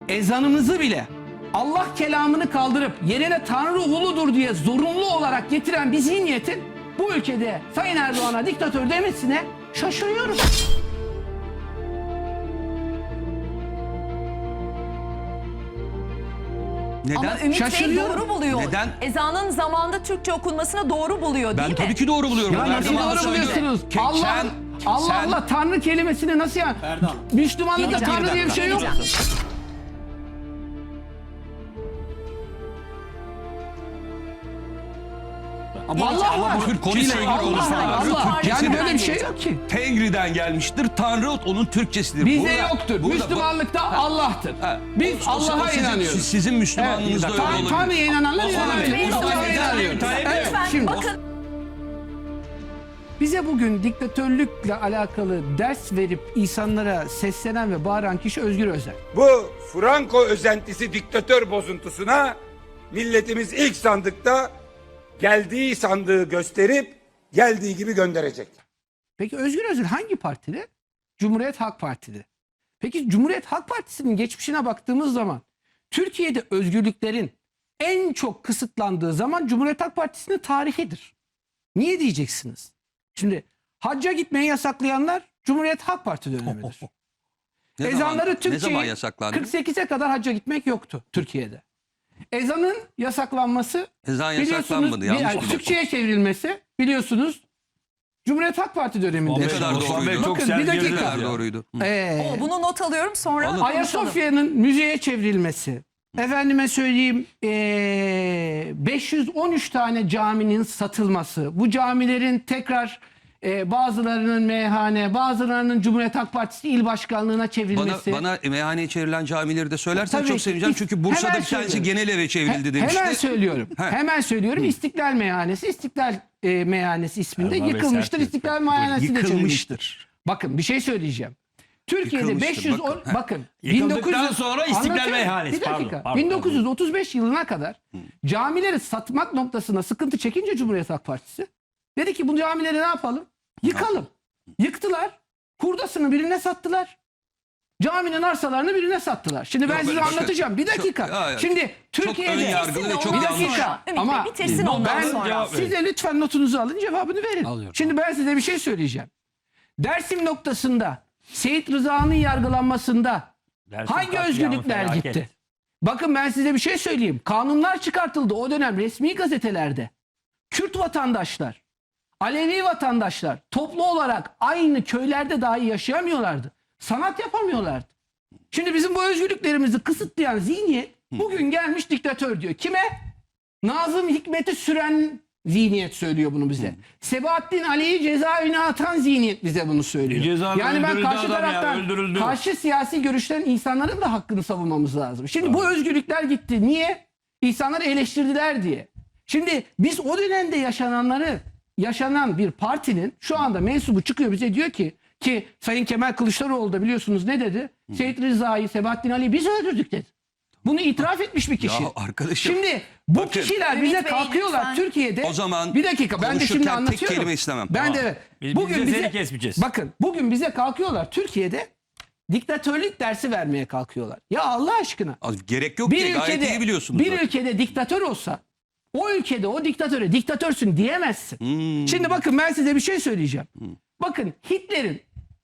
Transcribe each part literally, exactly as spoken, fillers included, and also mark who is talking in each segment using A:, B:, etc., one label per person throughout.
A: ezanımızı bile Allah kelamını kaldırıp yerine Tanrı uludur diye zorunlu olarak getiren bir zihniyetin bu ülkede Sayın Erdoğan'a diktatör demesine şaşırıyorum.
B: Neden?
C: Ama Ümit Bey doğru buluyor.
B: Neden?
C: Ezanın zamanında Türkçe okunmasını doğru buluyor değil
B: Ben
C: mi?
B: tabii ki doğru buluyorum.
A: Ya
B: Ben her
A: nasıl
B: zaman
A: doğru
B: söylüyorum.
A: buluyorsunuz?
B: Ke-
A: Allah,
B: sen-
A: Allah
B: sen-
A: Allah Tanrı kelimesini nasıl yani?
D: Erdal.
A: Müslümanlıkta
C: Geleceğim.
A: Tanrı diye bir şey yok.
C: Geleceğim.
A: Allah var.
B: Kürt konuyla ilgili
A: Allah
B: konuşmalar.
A: Allah. Allah.
B: Türkçesi
A: Yani
B: de
A: böyle bir şey yok ki.
B: Tengri'den gelmiştir. Tanrı onun Türkçesidir.
A: Bizde
B: Burada-
A: yoktur.
B: burada-
A: Müslümanlıkta Allah'tır.
B: Ha,
A: Biz
B: o- o- o
A: Allah'a
B: sizin-
A: inanıyoruz.
B: Sizin Müslümanlığınızda öyle
A: Tan-
B: olabilir.
A: Tanrı'ya inananlar inanıyor.
C: Bey,
A: Mustafa'ya
C: bakın.
A: inanıyoruz. Evet,
C: Lütfen
A: şimdi
C: bakın.
A: bize bugün diktatörlükle alakalı ders verip insanlara seslenen ve bağıran kişi Özgür Özel.
E: Bu Franco özentisi diktatör bozuntusuna milletimiz ilk sandıkta geldiği sandığı gösterip geldiği gibi gönderecek.
A: Peki Özgür Özel hangi partide? Cumhuriyet Halk Partisi'de. Peki Cumhuriyet Halk Partisi'nin geçmişine baktığımız zaman Türkiye'de özgürlüklerin en çok kısıtlandığı zaman Cumhuriyet Halk Partisi'nin tarihidir. Niye diyeceksiniz? Şimdi hacca gitmeyi yasaklayanlar Cumhuriyet Halk Parti dönemidir.
B: Ne zaman-
A: Ezanları
B: Ne zaman
A: Türkçe'yi
B: yasaklandı?
A: kırk sekize kadar hacca gitmek yoktu Türkiye'de. Ezanın yasaklanması
B: Ezan
A: biliyorsunuz
B: yasaklanmadı. Yanlış
A: yani
B: biliyorum.
A: Türkçe'ye çevrilmesi biliyorsunuz Cumhuriyet Halk Parti döneminde.
B: Ne kadar
D: Osman Bey
B: doğruydu?
D: çok
A: Bakın,
D: sert
A: bir dakika.
D: girdi
B: Ne kadar
D: ya.
B: doğruydu? Hı.
A: Ee,
C: O, bunu not alıyorum sonra
B: Alın.
C: konuşalım.
A: Ayasofya'nın müzeye çevrilmesi. Efendime söyleyeyim ee, beş yüz on üç tane caminin satılması. Bu camilerin tekrar ee, bazılarının meyhane, bazılarının Cumhuriyet Halk Partisi il başkanlığına
B: Bana,
A: çevrilmesi.
B: bana meyhaneye çevrilen camileri de söylersen
A: Tabii
B: çok
A: ki.
B: sevineceğim. Çünkü Bursa'da
A: Hemen
B: bir tanesi
A: söylüyorum.
B: genel eve çevrildi
A: He-
B: demişti.
A: Hemen söylüyorum.
B: He.
A: Hemen söylüyorum. İstiklal Meyhanesi, İstiklal e, Meyhanesi isminde
D: Erman Bey
A: yıkılmıştır.
D: sert
A: İstiklal
D: lütfen.
A: Meyhanesi de çevrilmiştir.
B: Yıkılmıştır.
A: Bakın bir şey söyleyeceğim. Türkiye'de
B: Yıkılmıştır,
A: beş yüz on
B: bakın.
A: bakın,
D: Yıkıldıktan
A: bin dokuz yüz
D: sonra İstiklal
A: Anlatıyorum.
D: Meyhanesi,
A: Bir dakika.
D: pardon, pardon,
A: bin dokuz yüz otuz beş yılına kadar camileri satmak noktasında sıkıntı çekince Cumhuriyet Halk Partisi dedi ki bu camileri ne yapalım? Yıkalım. Yıktılar. Hurdasını birine sattılar. Caminin arsalarını birine sattılar. Şimdi ben
B: Yok,
A: size
B: böyle bakın.
A: anlatacağım. Bir dakika.
B: Çok- ya, ya,
A: Şimdi Türkiye'de
B: ön yargılı ve çok
A: bir
B: yanlış.
A: dakika.
C: Ümit
A: Ama
C: Bey bitirsin ondan
A: ben
C: sonra.
D: Cevap verin.
A: size lütfen notunuzu alın, cevabını verin.
D: Alıyorum.
A: Şimdi ben size bir şey söyleyeceğim. Dersim noktasında Seyit Rıza'nın yargılanmasında
D: Dersim
A: hangi
D: katliamı
A: özgürlükler
D: felaket.
A: gitti? Bakın ben size bir şey söyleyeyim. Kanunlar çıkartıldı o dönem resmi gazetelerde. Kürt vatandaşlar, Alevi vatandaşlar toplu olarak aynı köylerde dahi yaşayamıyorlardı. Sanat yapamıyorlardı. Şimdi bizim bu özgürlüklerimizi kısıtlayan zihniyet bugün gelmiş diktatör diyor. Kime? Nazım Hikmet'i süren zihniyet söylüyor bunu bize. Sebahattin Ali'yi cezaevine atan zihniyet bize bunu söylüyor.
D: Cezaevine
A: Yani ben
D: öldürüldü
A: karşı
D: adam ya,
A: taraftan
D: öldürüldü.
A: karşı siyasi görüşlerin insanların da hakkını savunmamız lazım. Şimdi bu özgürlükler gitti. Niye? İnsanları eleştirdiler diye. Şimdi biz o dönemde yaşananları yaşanan bir partinin şu anda mensubu çıkıyor bize diyor ki ki Sayın Kemal Kılıçdaroğlu da biliyorsunuz ne dedi? Seyit Rıza'yı, Sebahattin Ali'yi biz öldürdük dedi. Bunu itiraf etmiş bir kişi.
B: Ya arkadaşım,
A: Şimdi bu
B: bakın,
A: kişiler
C: Ümit
A: bize
C: Bey,
A: kalkıyorlar
C: lütfen.
A: Türkiye'de.
B: O zaman
A: bir dakika ben de şimdi
B: konuşurken tek
A: anlatıyorum.
B: kelime istemem.
A: Ben
D: Tamam.
A: de
D: Biz-
A: bugün
D: biz de
A: bize
D: seni kesmeyeceğiz.
A: bakın bugün bize kalkıyorlar Türkiye'de diktatörlük dersi vermeye kalkıyorlar. Ya Allah aşkına.
B: Az- gerek yok ki
A: Bir
B: gayet
A: ülkede
B: iyi biliyorsunuz.
A: bir
B: zaten.
A: ülkede diktatör olsa o ülkede o diktatöre diktatörsün diyemezsin.
B: Hmm.
A: Şimdi bakın ben size bir şey söyleyeceğim. Bakın Hitler'in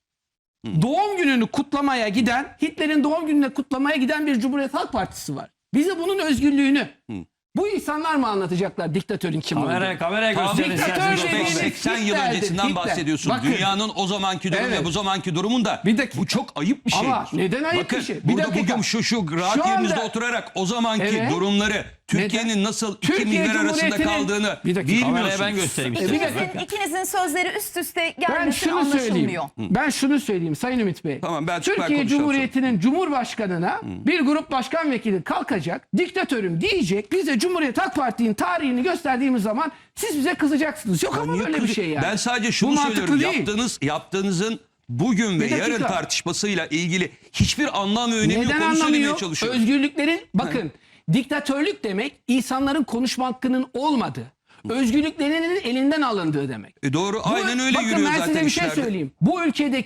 A: doğum gününü kutlamaya giden, Hitler'in doğum gününü kutlamaya giden bir Cumhuriyet Halk Partisi var. Bize bunun özgürlüğünü bu insanlar mı anlatacaklar diktatörün kim olduğunu?
D: Kameraya, kameraya
B: Tam
D: gösterin.
A: diktatör
D: isterseniz.
A: dediğiniz-
D: Doktor Bey.
B: seksen yıl
A: Hitler'dir,
B: öncesinden
A: Hitler.
B: bahsediyorsun.
A: Bakın.
B: Dünyanın o zamanki durumu
A: Evet.
B: ve bu zamanki durumunda
A: Bir dakika.
B: bu çok ayıp bir şeydir.
A: Ama neden ayıp
B: Bakın,
A: bir şey? Bir
B: burada
A: dakika.
B: bugün şu şu rahat
A: Şu anda-
B: yerinizde oturarak o zamanki
A: Evet.
B: durumları Türkiye'nin nasıl iki
A: Türkiye
B: milyar arasında
A: Cumhuriyeti'nin-
B: kaldığını
A: Bir dakika,
D: Kameraya
B: bilmiyorsunuz.
D: ben göstereyim
A: bir
D: istedim.
A: dakika.
C: İkinizin, ikinizin sözleri üst üste
A: Ben
C: gelmesi
A: şunu söyleyeyim.
C: anlaşılmıyor.
A: Ben şunu söyleyeyim Sayın Ümit Bey.
B: Tamam, ben- ben
A: Türkiye
B: konuşacağım
A: Cumhuriyeti'nin Cumhurbaşkanına bir grup başkan vekili kalkacak, diktatörüm diyecek. Bize Cumhuriyet Halk Parti'nin tarihini gösterdiğimiz zaman siz bize kızacaksınız. Yok ama
B: Niye
A: böyle bir
B: kızı-
A: şey yani.
B: Ben sadece
A: Bu
B: şunu
A: mantıklı
B: söylüyorum.
A: değil.
B: Yaptığınız, yaptığınızın bugün ve
A: Bir dakika.
B: yarın tartışmasıyla ilgili hiçbir anlam ve önemi yok.
A: Neden
B: Onu söylemeye
A: anlamıyor?
B: çalışıyorum.
A: Özgürlüklerin bakın diktatörlük demek insanların konuşma hakkının olmadığı, özgürlüklerinin elinden alındığı demek.
B: E doğru,
A: Bu-
B: aynen öyle
A: bakın
B: yürüyor
A: ben
B: zaten
A: size bir şey
B: işlerde.
A: söyleyeyim. Bu ülkedeki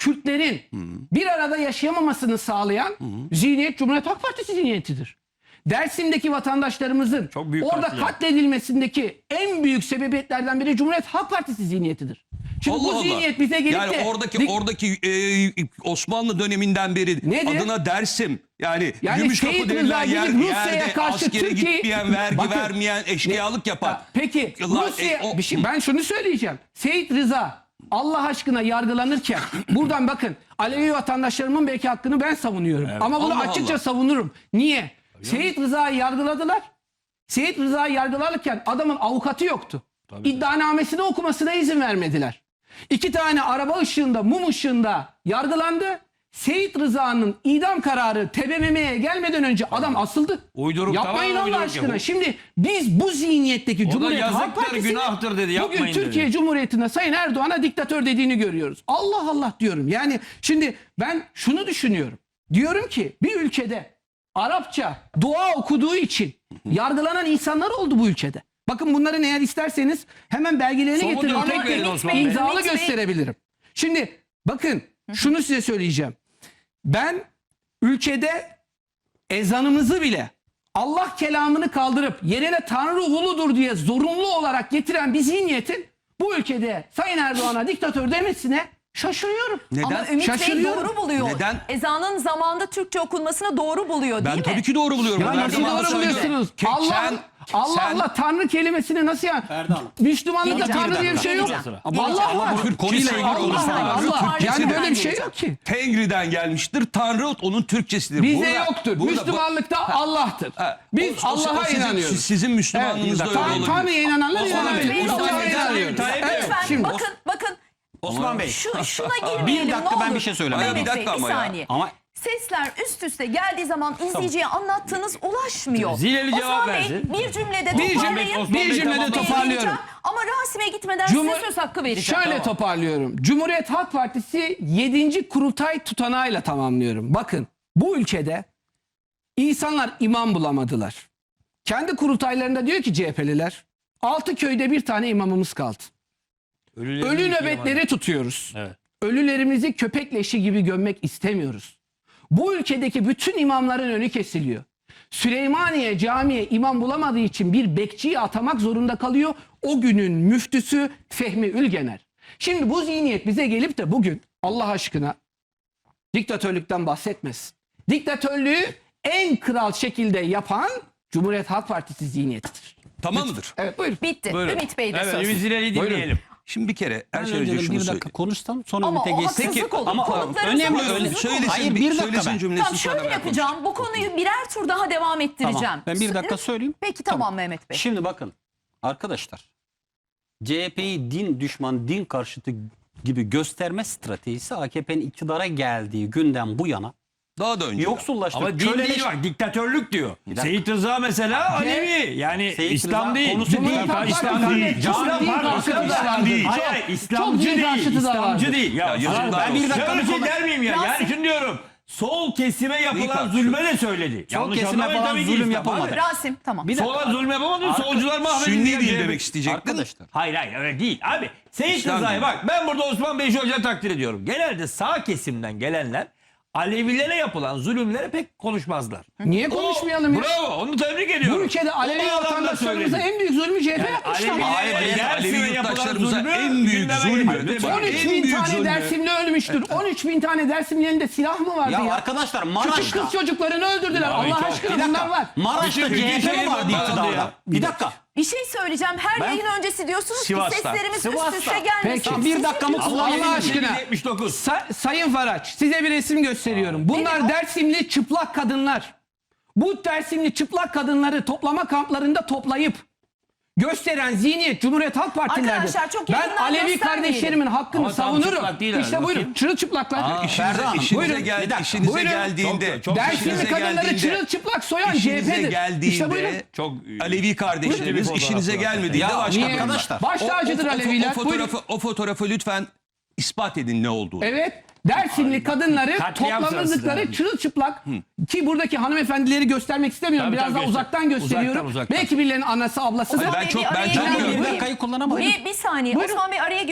A: Kürtlerin bir arada yaşayamamasını sağlayan zihniyet Cumhuriyet Halk Partisi zihniyetidir. Dersim'deki vatandaşlarımızın
D: Çok büyük
A: orada
D: katliam.
A: katledilmesindeki en büyük sebebiyetlerden biri Cumhuriyet Halk Partisi zihniyetidir. Şimdi
B: Allah
A: bu
B: Allah.
A: zihniyet bize gelip
B: yani
A: de
B: oradaki
A: dik-
B: oradaki e, Osmanlı döneminden beri
A: Nedir?
B: adına Dersim yani,
A: Yani
B: Gümüşkapı
A: Seyit
B: denilen
A: Rıza
B: yer,
A: gidip Rusya'ya
B: yerde
A: karşı
B: askere
A: Türkiye-
B: gitmeyen, vergi
A: Bakın,
B: vermeyen, eşkıyalık yapan.
A: Ya, peki
B: La-
A: Rusya,
B: e, o-
A: bir şey, ben şunu söyleyeceğim. Seyit Rıza Allah aşkına yargılanırken buradan bakın Alevi vatandaşlarımın belki hakkını ben savunuyorum. Ama bunu
B: Allah
A: açıkça
B: Allah.
A: savunurum. Niye? Seyit Rıza'yı yargıladılar. Seyit Rıza'yı yargılarken adamın avukatı yoktu. İddianamesini okumasına izin vermediler. İki tane araba ışığında, mum ışığında yargılandı. Seyit Rıza'nın idam kararı T B M M'ye gelmeden önce adam asıldı.
D: Uyduruk,
A: Yapmayın
D: tamamen
A: Allah
D: uyduruk
A: aşkına.
D: ya bu.
A: Şimdi biz bu zihniyetteki Cumhuriyet Halk
D: yazıktır,
A: Partisi'nin
D: günahtır dedi,
A: bugün
D: yapmayın dedi.
A: Türkiye Cumhuriyeti'nde Sayın Erdoğan'a diktatör dediğini görüyoruz. Allah Allah diyorum. Yani şimdi ben şunu düşünüyorum. Diyorum ki bir ülkede Arapça dua okuduğu için yargılanan insanlar oldu bu ülkede. Bakın bunların eğer isterseniz hemen belgelerini
D: Somut
A: getirin.
D: örnek
A: Tek
D: verin
A: tek
D: Osman Bey.
A: imzalı
C: Ümit Bey.
A: gösterebilirim. Şimdi bakın şunu size söyleyeceğim. Ben ülkede ezanımızı bile Allah kelamını kaldırıp yerine Tanrı uludur diye zorunlu olarak getiren bir zihniyetin bu ülkede Sayın Erdoğan'a diktatör demesine şaşırıyorum.
B: Neden?
C: Ama Ümit Bey
A: Şaşırıyorum.
C: doğru buluyor.
B: Neden?
C: Ezanın zamanında Türkçe okunmasını doğru buluyor değil
B: Ben
C: mi?
B: tabii ki doğru buluyorum.
A: Ya
B: Bunu her
A: nasıl
B: zaman da
A: doğru
B: söylüyorum.
A: buluyorsunuz?
B: Ke-
A: Allah
B: sen-
A: Allah
B: sen-
A: Allah Tanrı kelimesini nasıl ya? Müslümanlıkta
C: Geleceğim.
A: Tanrı diye bir şey yok.
C: Geleceğim.
A: Allah var.
B: Konuyla ilgili
A: Allah
B: konuşmalar.
A: Allah.
B: Türkçesi
A: Yani
B: de-
A: böyle bir şey yok ki.
B: Tengri'den gelmiştir. Tanrı onun Türkçesidir.
A: Bizde
B: Burada-
A: yoktur.
B: burada-
A: Müslümanlıkta Allah'tır.
B: Ha,
A: Biz
B: o- o- o
A: Allah'a
B: sizin-
A: inanıyoruz.
B: Sizin Müslümanlığınızda
A: Evet,
B: öyle
A: Tan-
B: olabilir.
A: Tanrı'ya inananlar
B: Osman Bey,
A: inanabilir. Biz
C: Osman
A: Allah'a
C: Bey,
A: inanıyoruz.
D: Tayyip Bey,
A: Evet,
C: Lütfen
A: şimdi.
C: bakın bakın.
F: Osman Bey.
C: Şu, şuna girmeyelim
F: Bir dakika,
C: ne
F: ben
C: olur.
F: bir şey söylemem
C: Mehmet
B: lazım.
C: Bey,
B: Bir dakika
C: bir
B: ama ya.
C: saniye.
F: Ama-
C: Sesler üst üste geldiği zaman izleyiciye anlattığınız ulaşmıyor.
D: Zileli cevap
C: Osman Bey,
D: versin.
C: bir cümlede
A: Bir
C: toparlayın.
A: cümle-
D: Osman
A: bir
D: Bey,
A: cümlede
D: tamam,
A: toparlıyorum.
C: Vereceğim. Ama Rasim'e gitmeden
A: Cumhur-
C: size söz hakkı vereceğim.
A: Şöyle toparlıyorum. Cumhuriyet Halk Partisi yedinci kurultay tutanağıyla tamamlıyorum. Bakın bu ülkede insanlar imam bulamadılar. Kendi kurultaylarında diyor ki C H P'liler altı köyde bir tane imamımız kaldı.
D: Ölülerini
A: Ölü
D: yıkayamadı.
A: nöbetleri tutuyoruz.
D: Evet.
A: Ölülerimizi köpek leşi gibi gömmek istemiyoruz. Bu ülkedeki bütün imamların önü kesiliyor. Süleymaniye Camii'ye imam bulamadığı için bir bekçiyi atamak zorunda kalıyor. O günün müftüsü Fehmi Ülgener. Şimdi bu zihniyet bize gelip de bugün Allah aşkına diktatörlükten bahsetmesin. Diktatörlüğü en kral şekilde yapan Cumhuriyet Halk Partisi zihniyetidir.
B: Tamam mıdır?
A: Evet buyurun.
C: Bitti.
D: Buyurun.
C: Ümit Bey de
D: Evet,
C: söz.
D: Ümit Zileli'yi dinleyelim.
B: Şimdi bir kere her
F: Ben
B: şey önce
F: önce
B: şunu
F: bir
B: söyleyeyim.
F: dakika konuşsam sonra
C: Ama
F: Ümit'e
C: o
F: geçsek.
C: haksızlık olur.
F: Ama
C: Konuklarımıza
F: önemli
C: haksızlık
F: öyle.
C: olur.
B: Söylesin,
F: Hayır,
B: bir,
F: bir dakika
B: söylesin
F: ben.
B: cümlesini
C: Tamam
B: sonra
C: şöyle
B: ben
C: yapacağım. Bu konuyu birer tur daha devam ettireceğim.
F: Tamam, ben bir dakika söyleyeyim.
C: Peki tamam, Mehmet Bey.
F: Şimdi bakın arkadaşlar, C H P'yi din düşman, din karşıtı gibi gösterme stratejisi A K P'nin iktidara geldiği günden bu yana
B: Daha da önce.
F: yoksullaştı.
D: Ama din
F: köleleş-
D: değil bak, diktatörlük diyor.
F: dakika.
D: Seyit Rıza mesela Alevi. Yani
F: Seyit
D: İslam
F: Rıza
D: değil.
F: konusu
D: Cumhuriyet
F: değil.
D: Halk
A: Partisi
D: İslam değil.
A: değil.
D: İslam
A: Çok din
D: pardon,
A: karşıtı da
D: İslam
A: vardır.
D: değil.
A: Çok-
D: Hayır, hayır,
A: çok
D: İslamcı
A: din
D: değil.
A: karşıtı da
D: İslamcı
A: vardır.
D: değil. Ya,
B: Ya yazıklar
D: ben
F: olsun.
D: bir dakika
F: Şöyle
D: bir şey
F: konu-
D: der miyim ya?
C: Yasin-
D: Yani şunu diyorum. Sol kesime yapılan
B: tartışıyor?
D: zulme de söyledi.
F: Sol
D: Yanlış
F: kesime
D: anlamayın
F: falan
D: tabii ki
F: zulüm
D: İslam.
F: yapılmadı.
D: Hayır.
C: Rasim tamam.
F: Bir dakika.
D: Sola zulüm yapamadı.
F: Arka-
D: Solcular mahvedildi.
B: Sünni
D: ya,
B: değil
D: C H P.
B: demek isteyecektin.
F: Arkadaşlar.
D: Hayır hayır öyle değil abi. Seyit
B: İslam
D: Rıza'yı
B: değil.
D: bak ben burada Osman Bey Hoca'yı takdir ediyorum. Genelde sağ kesimden gelenler Alevilere yapılan zulümlere pek konuşmazlar.
A: Niye konuşmayalım ya?
D: Bravo onu tebrik ediyorum.
A: Bu ülkede Alevi
D: O adam da
A: vatandaşlarımıza
D: söyledi.
A: en büyük zulmü C H P
D: Yani
A: yapmışlar.
D: Alevilere
B: Hayır, hayır,
D: Dersim'e
B: Alevi
D: yapılan
B: yurttaşlarımıza
D: zulmü
B: en büyük
D: gündeme
B: zulmü.
D: getirdi.
B: Lütfen.
A: on üç
B: En
A: bin
B: büyük
A: tane
B: zulmü.
A: Dersimli ölmüştür. on üç bin tane Dersimli elinde silah mı vardı ya?
F: Ya arkadaşlar
A: Küçük
F: Maraş'ta,
A: kız çocuklarını öldürdüler.
D: Abi
A: Allah
D: çok-
A: aşkına
F: bir
A: bunlar
F: dakika,
A: var.
F: Maraş'ta
D: Bütün
F: C H P
D: ülkeyi
F: mi vardı
D: bombardıladı
F: iktidarda?
D: ya.
F: Bir dakika.
C: Bir şey söyleyeceğim. Her
F: Ben-
C: yayın öncesi diyorsunuz
D: Sivas'ta.
C: ki seslerimiz
F: Sivas'ta.
C: üst üste gelmesin.
A: Peki.
C: Siz
F: Bir dakikamı
C: yapıyorsunuz.
F: kullanın.
A: Allah aşkına.
D: yetmiş dokuz.
A: Sa- Sayın Faraç size bir resim gösteriyorum. Bunlar
C: Nedir o?
A: Dersimli çıplak kadınlar. Bu Dersimli çıplak kadınları toplama kamplarında toplayıp gösteren zihniyet Cumhuriyet Halk Partileridir.
C: Arkadaşlar çok
A: Ben
C: yakından
A: Alevi
C: göstermeyelim.
A: kardeşlerimin hakkını
D: Ama tam
A: savunurum.
D: çıplak değil
A: İşte
D: herhalde,
A: buyurun
D: bakayım.
A: çırılçıplaklar.
B: İşinize,
F: Ferda Hanım,
B: işinize,
A: buyurun.
B: gel,
F: Bir dakika,
B: işinize
A: buyurun.
B: geldiğinde,
D: Çok- çok-
A: Dersimli
B: işinize
A: kadınları
B: geldiğinde-
A: çırılçıplak soyan C
B: işinize
A: H P'dir.
B: geldiğinde
A: İşte buyurun.
D: Çok
B: Alevi kardeşlerimiz
D: Buyurun.
B: işinize gelmediğinde
F: Ya,
B: başka
F: niye?
B: durumlar.
F: Arkadaşlar,
A: Baş tacıdır
B: o, o,
A: Aleviler.
B: o, fotoğrafı, o fotoğrafı lütfen ispat edin ne olduğunu.
A: Evet. Dersimli kadınları
D: Katliam
A: toplamışlıkları
D: sırasında.
A: çırılçıplak ki buradaki hanımefendileri göstermek istemiyorum.
D: Tabii,
A: Biraz
D: tabii,
A: daha
D: göster.
A: uzaktan gösteriyorum.
D: Uzaktan, uzaktan.
A: Belki birilerinin anası ablasıdır.
B: Ben
C: Bey,
B: çok-
C: bir
B: ben
C: araya
B: çok
C: giriyorum.
B: görüyorum.
F: Bir dakikayı kullanamadım.
C: Bir, bir saniye
A: Buyurun.
C: Osman Bey araya giriyor.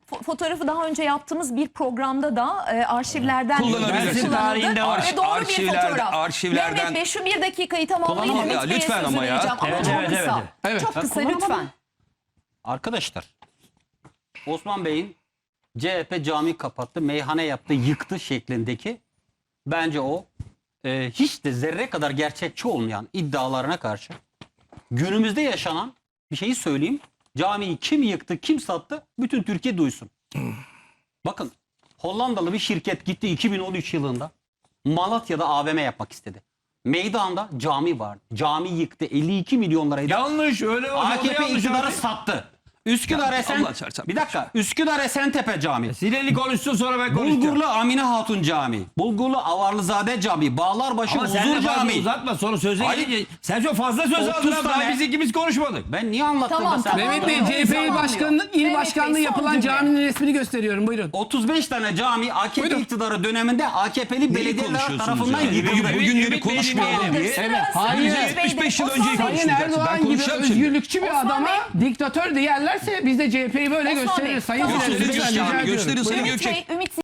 C: Fo- fotoğrafı daha önce yaptığımız bir programda da e, arşivlerden
B: Kullanabilirsiniz.
C: kullanıldı
D: Tarihinde var.
C: ve doğru
B: Arşivlerde-
C: bir fotoğraf.
B: arşivlerden-
C: Mehmet Bey şu bir dakikayı tamamlayın.
B: Kullanamam
C: Ümit
B: ya,
C: Bey'e
B: lütfen
C: sözü
B: ama ya.
C: vereceğim ama
D: Evet,
C: çok
D: evet,
C: kısa.
D: evet.
A: Evet.
C: Çok
F: Ben
C: kısa
F: kullanamam.
C: lütfen.
F: Arkadaşlar, Osman Bey'in C H P cami kapattı, meyhane yaptı, yıktı şeklindeki bence o e, hiç de zerre kadar gerçekçi olmayan iddialarına karşı günümüzde yaşanan bir şeyi söyleyeyim. Camiyi kim yıktı, kim sattı bütün Türkiye duysun. Bakın, Hollandalı bir şirket gitti iki bin on üç yılında Malatya'da A V M yapmak istedi. Meydanda cami vardı. Cami yıktı. elli iki milyon liraydı.
D: Yanlış öyle oldu.
F: A K P
D: yanlış
F: iktidarı
D: abi.
F: sattı. Üsküdar
B: Ya,
F: Esen
B: Allah çarpsın.
F: bir dakika. Üsküdar Esentepe Camii.
D: Sinirli konuşsun sonra ben konuşacağım.
F: Bulgurlu Amine Hatun Camii. Bulgurlu Avarlızade Camii. Bağlarbaşı
D: Ama sen
F: Huzur
D: de fazla
F: Camii.
D: uzatma sonra söze
F: Hayır.
D: gelince. Sen çok fazla söz
F: otuz
D: aldın abi. Daha
F: tane-
D: biz ikimiz konuşmadık.
F: Ben niye anlattım
C: Tamam,
F: da sen?
C: tamam.
A: Mehmet Bey,
C: Tamam,
A: C H P il
C: tamamlıyor.
A: başkanlığı, il
C: Mehmet
A: başkanlığı
C: Bey, son
A: yapılan
C: cümle.
A: caminin resmini gösteriyorum. Buyurun.
F: otuz beş tane cami A K P
A: Buyurun.
F: iktidarı döneminde A K P'li belediyeler
B: konuşuyorsunuz
F: tarafından
B: ya?
F: yıkıldı.
B: Bugün- bugünleri
D: Ümit Bey
B: konuşmayalım
D: dinleyelim.
C: Tamamdır.
B: diye.
C: Sıra
A: Evet,
C: Sayın
A: hayır.
C: Ümit Bey'de.
B: yetmiş beş yıl
C: Osman
B: önceyi
C: Bey,
A: Sayın
B: konuşacaksın. Ben
A: Erdoğan gibi
B: konuşacağım şimdi.
A: özgürlükçü bir
C: Osman
A: adama
C: Bey.
A: diktatör diyerlerse biz de C H P'yi böyle
C: Osman
A: gösteririz.
C: Bey,
A: Sayın
C: tamam.
A: Süleyman,
B: Gösterin
A: lütfen rica
B: cami,
A: ediyorum.
B: gösterin Sayın
C: Ümit
B: Gökçek.
C: Bey, Ümit